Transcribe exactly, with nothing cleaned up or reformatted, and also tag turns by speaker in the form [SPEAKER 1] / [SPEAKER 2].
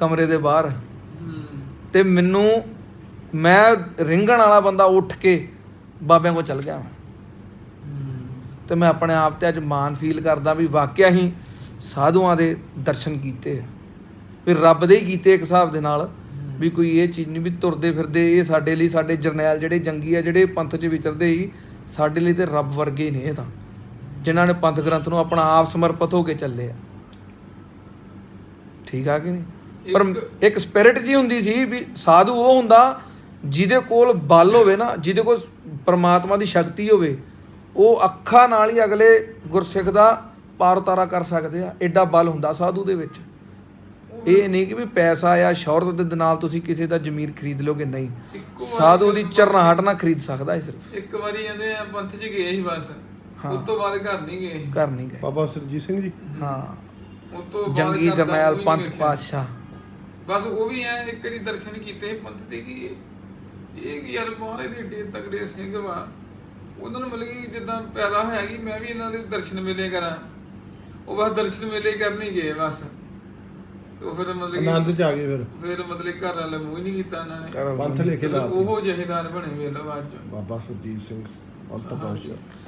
[SPEAKER 1] ਕਮਰੇ ਦੇ ਬਾਹਰ। ਤੇ ਮੈਨੂੰ ਮੈਂ ਰਿੰਗਣ ਵਾਲਾ ਬੰਦਾ ਉੱਠ ਕੇ ਬਾਬਿਆਂ ਕੋਲ ਚੱਲ ਗਿਆ। ਤੇ ਮੈਂ ਆਪਣੇ ਆਪ ਤੇ ਅੱਜ ਮਾਣ ਫੀਲ ਕਰਦਾ ਵੀ ਵਾਕਿਆ ਹੀ ਸਾਧੂਆਂ ਦੇ ਦਰਸ਼ਨ ਕੀਤੇ, ਵੀ ਰੱਬ ਦੇ ਹੀ ਕੀਤੇ ਇੱਕ ਹਿਸਾਬ ਦੇ ਨਾਲ। ਵੀ ਕੋਈ ਇਹ ਚੀਜ਼ ਨਹੀਂ ਵੀ ਤੁਰਦੇ ਫਿਰਦੇ ਇਹ ਸਾਡੇ ਲਈ, ਸਾਡੇ ਜਰਨੈਲ ਜਿਹੜੇ ਜੰਗੀ ਆ ਜਿਹੜੇ ਪੰਥ 'ਚ ਵਿਚਰਦੇ ਸੀ, ਸਾਡੇ ਲਈ ਤੇ ਰੱਬ ਵਰਗੇ ਹੀ ਨੇ ਇਹ ਤਾਂ, ਜਿਨ੍ਹਾਂ ਨੇ ਪੰਥ ਗ੍ਰੰਥ ਨੂੰ ਆਪਣਾ ਆਪ ਸਮਰਪਿਤ ਹੋ ਕੇ ਚੱਲੇ ਆ। ਠੀਕ ਆ ਕਿ ਨਹੀਂ? ਪਰ ਇੱਕ ਸਪਿਰਿਟ ਜੀ ਹੁੰਦੀ ਸੀ ਵੀ ਸਾਧੂ ਉਹ ਹੁੰਦਾ ਜਿਹਦੇ ਕੋਲ ਬਲ ਹੋਵੇ ਨਾ, ਜਿਹਦੇ ਕੋਲ ਪਰਮਾਤਮਾ ਦੀ ਸ਼ਕਤੀ ਹੋਵੇ, ਉਹ ਅੱਖਾਂ ਨਾਲ ਹੀ ਅਗਲੇ ਗੁਰਸਿੱਖ ਦਾ ਪਾਰ ਉਤਾਰਾ ਕਰ ਸਕਦੇ ਆ। ਐਡਾ ਬਲ ਹੁੰਦਾ ਸਾਧੂ ਦੇ ਵਿੱਚ। ਇਹ ਨਹੀਂ ਕਿ ਵੀ ਪੈਸਾ ਆ ਸ਼ੌਹਰਤ ਦੇ ਨਾਲ ਤੁਸੀਂ ਕਿਸੇ ਦਾ ਜ਼ਮੀਰ ਖਰੀਦ ਲੋਗੇ, ਨਹੀਂ। ਸਾਧੂ ਦੀ ਚਰਨਾਹਟ ਨਾ ਖਰੀਦ ਸਕਦਾ ਹੈ। ਸਿਰਫ ਇੱਕ ਵਾਰੀ ਜਾਂਦੇ ਆ ਪੰਥ 'ਚ ਗਏ ਸੀ ਬਸ, ਉਸ ਤੋਂ ਬਾਅਦ ਘਰ ਨਹੀਂ ਗਏ। ਘਰ ਨਹੀਂ ਗਏ। ਬਾਬਾ ਸਰਜੀਤ ਸਿੰਘ ਜੀ, ਹਾਂ, ਉਸ ਤੋਂ ਜੰਗੀ ਜਰਨੈਲ ਪੰਥ ਪਾਤਸ਼ਾਹ, ਬਸ ਉਹ ਵੀ ਐ ਇੱਕ ਵਾਰੀ ਦਰਸ਼ਨ ਕੀਤੇ ਪੰਥ ਦੇ ਕਿ ਇਹ ਕੀ ਯਾਰ ਮਹਾਰਾਜ ਦੇ ਏਡੇ ਤਗੜੇ ਸਿੰਘ ਵਾ। ਉਹਨਾਂ ਨੂੰ ਮਤਲਬ ਕਿ ਜਿੱਦਾਂ ਪੈਦਾ ਹੋਇਆ ਕਿ ਮੈਂ ਵੀ ਇਹਨਾਂ ਦੇ ਦਰਸ਼ਨ ਮੇਲੇ ਕਰਾਂ, ਉਹ ਬਸ ਦਰਸ਼ਨ ਮੇਲੇ ਕਰਨ ਹੀ ਗਏ ਬਸ। ਉਹ ਫਿਰ ਮਤਲਬ ਆਨੰਦ 'ਚ ਆ ਗਏ। ਫਿਰ ਫਿਰ ਮਤਲਬ ਘਰ ਵਾਲੇ ਮੂੰਹ ਹੀ ਨਹੀਂ ਕੀਤਾ ਇਹਨਾਂ ਨੇ, ਪੰਥ ਲੈ ਕੇ ਲਾ ਉਹ ਜਹੇਦਾਰ ਬਣੇ ਵੇਖ ਲਓ ਬਾਅਦ 'ਚ ਬਾਬਾ ਸਰਜੀਤ ਸਿੰਘ ਪੰਥ ਪਾਤਸ਼ਾਹ।